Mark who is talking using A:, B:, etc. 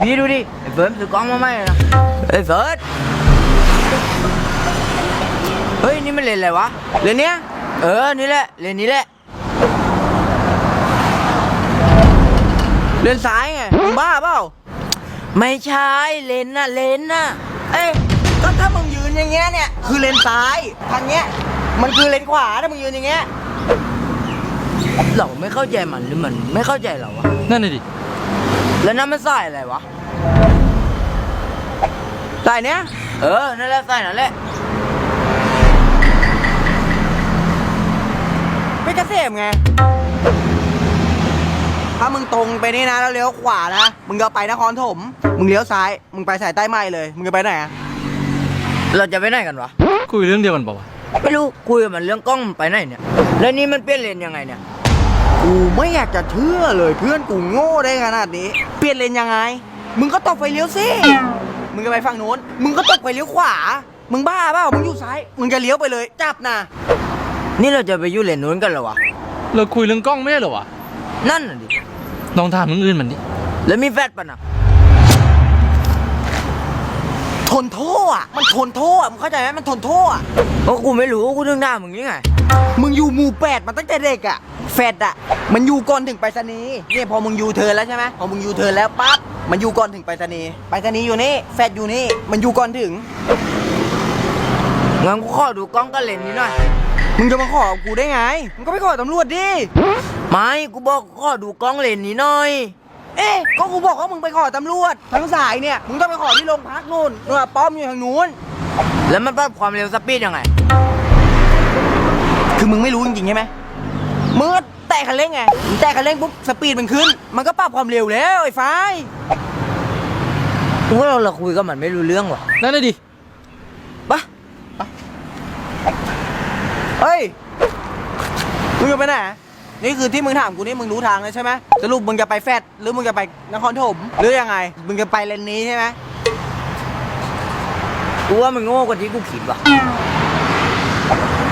A: พี่ดูดิไอ้เฟิร์สซื้อกล้องมาใหม่เลยนะไอ้เฟิร์สเฮ้ยนี่มันเลนอะไรวะเลนเนี้ยนี่แหละเลนนี้แหละเลนซ้ายไงมึงบ้าเปล่าไม่ใช่เลนน่ะเอ้ยก็ถ้ามึงยืนอย่างเงี้ยเนี่ยคือเลนซ้ายทางเงี้ยมันคือเลนขวาถ้ามึงยืนอย่างเงี้ยเราไม่เข้าใจมันหรือมันไม่เข้าใจเราวะ
B: นั่นน่ะดิ
A: แล้วนั่นมันสายอะไรวะสายเนี้ยนั่นแหละสายนั่นแหละไม่เกษมไงถ้ามึงตรงไปนี่นะแล้วเลี้ยวขวานะมึงก็ไปนครถมมึงเลี้ยวซ้ายมึงไปสายใต้ใหม่เลยมึงจะไปไหนอะเราจะไปไหนกันวะ
B: คุยเรื่องเดียวกันเปล่าวะ
A: ไม่รู้คุยกับมันเรื่องกล้องมันไปไหนเนี่ยแล้วนี่มันเปลี่ยนเลนยังไงเนี่ยกูไม่อยากจะเชื่อเลยเพื่อนกูโง่ได้ขนาดนี้เปลี่ยนเลนยังไงมึงก็ตกไฟเลี้ยวสิมึงจะไปฝั่งโน้นมึงก็ตกไฟเลี้ยวขวามึงบ้าเปล่ามึงอยู่ซ้ายมึงจะเลี้ยวไปเลยจับนะนี่เราจะไปอยู่เลนโน้นกันเหรอวะ
B: เราคุยเรื่องกล้องไม่ได้เหรอวะ
A: นั่นน่ะดิ
B: ลองถามเรื่องอื่นมันดิ
A: แล้วมีแฟดป่ะนะทนโทษอ่ะมันทนโทษมึงเข้าใจไหมมันทนโทษอ่ะเพราะกูไม่รู้กูถึงด่ามึงยังไงมึงอยู่หมู่8มาตั้งแต่เด็กอ่ะแฟดอ่ะมันอยู่ก่อนถึงไปรษณีย์เนี่ยพอมึงยูเทิร์นแล้วใช่ไหมพอมึงยูเทิร์นแล้วปั๊บมันอยู่ก่อนถึงไปรษณีย์อยู่นี่แฟดอยู่นี่มันอยู่ก่อนถึงงั้นกูขอดูกล้องกันเลนนี้หน่อยมึงจะมาขอกูได้ไงมึงก็ไปขอตำรวจดิไม่กูบอกขอดูกล้องเลนนี้หน่อยเอ๊ะก็กูบอกว่ามึงไปขอตำรวจทางสายเนี่ยมึงต้องไปขอที่โรงพักนู่นป้อมอยู่ทางนู้นแล้วมันปรับความเร็วสปีดยังไงคือมึงไม่รู้จริงๆใช่ไหมมึงแตะคันเร่งไงมึงแตะคันเร่งปุ๊บสปีดมันขึ้นมันก็ปรับความเร็วแล้วไอ้ฟ้ายกูว่าเราคุยกับมันไม่รู้เรื่องว่ะ
B: นั่นน่ะดิ
A: ปะเฮ้ยมึงจะไปไหนนี่คือที่มึงถามกูนี่มึงรู้ทางเลยใช่ไหมสรุปมึงจะไปแฟดหรือมึงจะไปนครถมหรือยังไงมึงจะไปเลนนี้ใช่ไหมกูว่ามึงโง่กว่าที่กูคิดว่ะ